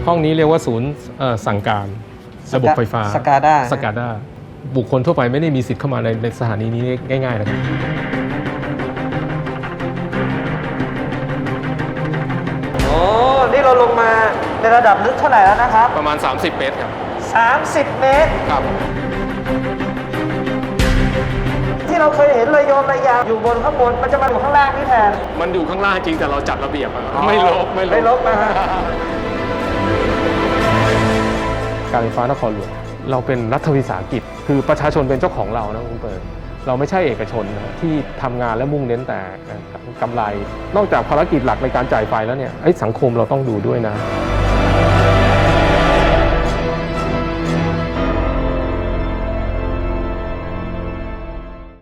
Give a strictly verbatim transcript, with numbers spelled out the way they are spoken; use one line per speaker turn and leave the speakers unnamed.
ห้องนี้เรียกว่าศูนย์สั่งการระบบไฟฟ้า
สกาด้า
สกาด้าบุคคลทั่วไปไม่ได้มีสิทธิ์เข้ามาในในสถานีนี้ง่ายๆนะครับ
โอ้นี่เราลงมาในระดับลึกเท่าไหร่แล้วนะครับ
ประมาณสามสิบเมตรครับ
สามสิบเมตร
ครับ
ที่เราเคยเห็นระยมระยางอยู่บนข้างบนมันจะมาอยู่ข้างล่างนี่แทน
มันอยู่ข้างล่างจริงแต่เราจัดระเบียบไม่ลบ
ไม่ลบนะฮะ
การไฟฟ้านครหลวงเราเป็นรัฐวิสาหกิจคือประชาชนเป็นเจ้าของเรานะคุณเปิดเราไม่ใช่เอกชนนะที่ทำงานและมุ่งเน้นแต่กำไรนอกจากภารกิจหลักในการจ่ายไฟแล้วเนี่ยสังคมเราต้องดูด้วยนะ